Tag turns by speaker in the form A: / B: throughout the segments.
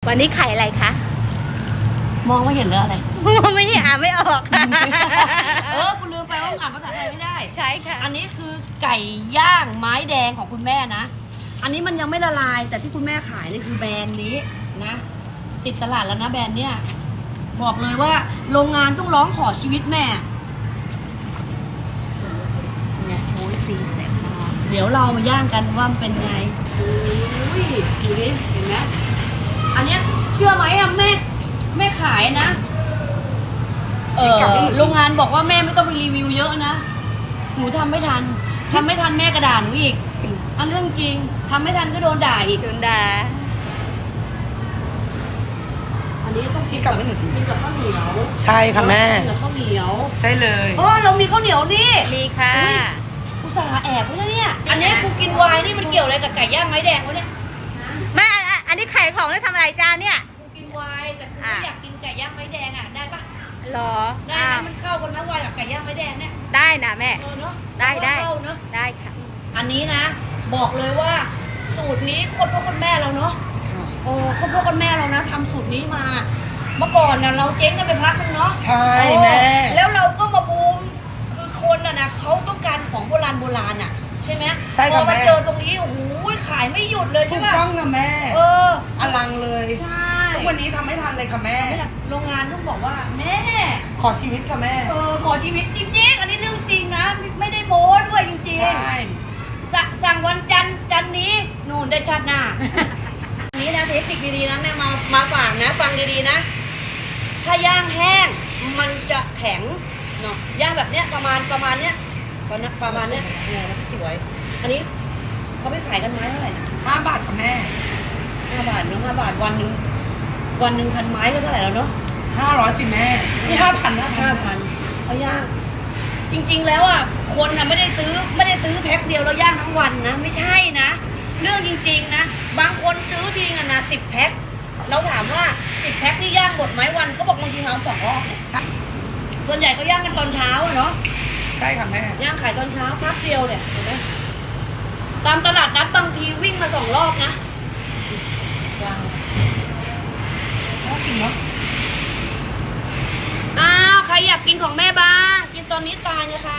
A: วันนี้ไข่อะไรคะ
B: มองไม่เห็นเลยอะไร
A: ไม่ได้อ่านไม่ออกค่ะ
B: คุณลืมไปว่าอ่านภาษาไทยไม่ได้
A: ใช่ค่ะ
B: อันนี้คือไก่ย่างไม้แดงของคุณแม่นะ อันนี้มันยังไม่ละลายแต่ที่คุณแม่ขายนี่คือแบรนด์นี้นะ ติดตลาดแล้วนะแบรนด์เนี้ยบอกเลยว่าโรงงานต้องร้องขอชีวิตแม่เนี่ยโอ้ยสีแสบมากเดี๋ยวเรามาย่างกันว่ามันเป็นไงอุ้ยดูดิเห็นไหมอันเนี้ยเชื่อไหมอะแม่ขายนะโรงงานบอกว่าแม่ไม่ต้องไปรีวิวเยอะนะหนูทำไม่ทันแม่กระด่าหนูอีกอันเรื่องจริงทำไม่ทันก็โดนด่าอีก
A: ดุนดา
B: อันนี้ต้อง
C: พี่กลับให้หนูที
B: กินกับข้าวเหนียว
C: ใช่ค่ะแม่
B: กินกับข้าวเหนียว
C: ใช่เลย
B: อ๋อเรามีข้าวเหนียวนี่
A: มีค่ะ
B: อุตส่าห์แอบไว้แล้วเนี่ย อันนี้กูกินไวน์นี่มันเกี่ยวอะไรกับไก่ย่างไม้แดงวะเนี่ย
A: แม่อันนี้ไข่ของแล้วทำอะไรจ้าเนี่ย
B: กูกินไวน์แต่กูไม่อยากกินไก่ย่างไม้แดงอ่ะได้ปะ
A: หรอ
B: ได้ไหมมันเข้ากันนะไวน์กับไก่ย่างไม้แดงเนี่ย
A: ได้นะแม่
B: เนาะ
A: ได้
B: เข้าเนาะ
A: ได้ค่ะ
B: อันนี้นะ บอกเลยว่าสูตรนี้คนพ่อคนแม่เราเนาะโอ้คนพ่อคนแม่เรานะทำสูตรนี้มา เมื่อก่อนเนี่ยเราเจ๊งกันไปพักนึงเนาะ
C: ใช่แม่
B: แล้วเราก็มาบูมคือคนน่ะนะเขาต้องการของโบราณอ่ะใช่ไหม
C: ใช่
B: พ
C: ค่ะ
B: อมา
C: แม่
B: เจอตรงนี้โอ้โหขายไม่หยุดเลย
C: ถู
B: ใช่
C: ก
B: ป่ะ
C: ต้องค่ะแม่
B: เออ
C: อลังเลย
B: ใช่
C: ทุกวันนี้ทำไม่ทันเลยค่ะแม่
B: โรงงานต้องบอกว่าแม่
C: ขอชีวิตค่ะแม่
B: ขอชีวิตจริงๆอันนี้เรื่องจริงนะไม่ได้โม้ด้วยจริง
C: ใช่
B: ๆสั่งวันจันทร์นี้นู่นได้ชาติหน้า อันนี้นะเทคนิคดีๆนะแม่มาฝากนะฟังดีๆนะถ้าย่างแห้งมันจะแข็งเนาะย่างแบบเนี้ยประมาณเนี้ยประมาณเนี้ยเนี่ยมันสวย อันนี้เขาไม่ขายกันไม้เท่าไหร่นะ
C: 5 บาทค่ะแม่
B: 5 บาทเนาะ5 บาทวันหนึ่ง1,000 ไม้ก็เท่าไหร่แล้วเนาะ
C: 500สิแม่นี่5,000นะ
B: 5,000เขาย่างจริงๆแล้วอ่ะคนน่ะไม่ได้ซื้อแพ็คเดียวแล้วย่างทั้งวันนะไม่ใช่นะเรื่องจริงๆนะบางคนซื้อทีอ่ะนะ10 แพ็คเราถามว่า10 แพ็คนี่ย่างหมดไหมวันเขาบอกบางทีมา2 รอบเนี่ย
C: ใช่
B: ส่วนใหญ่ก็ย่างกันตอนเช้าอะเนาะ
C: ใช่ค่ะแม่
B: ย่างขายตอนเช้าพักเดียวเนี่ยเห็นไหมตามตลาดนัดบางทีวิ่งมา2 รอบนะวาง
C: น่ากินเนาะ
B: อ้าวใครอยากกินของแม่บ้างกินตอนนี้ตายนะคะ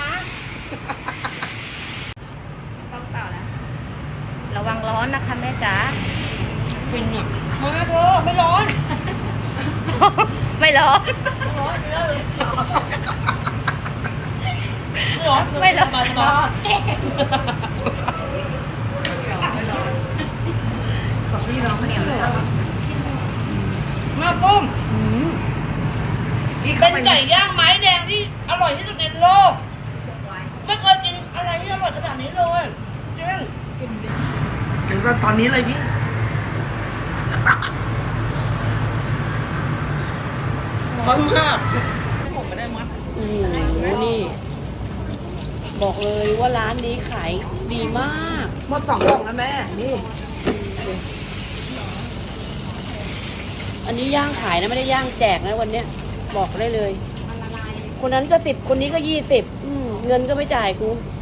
A: ต้องต่อแล้ว ระวังร้อนนะคะแม่จ๋า
B: ฟินอ่ะมาเถอะไม่ร้อน
A: ไม่ร้อน
B: ไม่ร้อนไม่ร้อนร้อน
A: ไม่ร้อน
B: สบาย
C: ขอพี่น้องข้าวเหนียวเลย
B: มาปุ้ม
C: พี่
B: เป็
C: เข้าน ไป
B: ไก่ย่างไม้แดงที่อร่อยที่สุดในโลกไม่เคยกินอะไรที่อร่อยขนาดนี้เลยจริง
C: ถึงตอนนี้เลยพี่
B: ร้อนมากผมไม่ได้มัดโอ้โหนี่ บอกเลยว่าร้านนี้ขายดีมาก
C: หมด2 กล่องนะแม่ นี่
B: อันนี้ย่างขายนะไม่ได้ย่างแจกนะวันเนี้ยบอกได้เลย คนนั้นก็10 คนนี้ก็20เงินก็ไม่จ่ายกู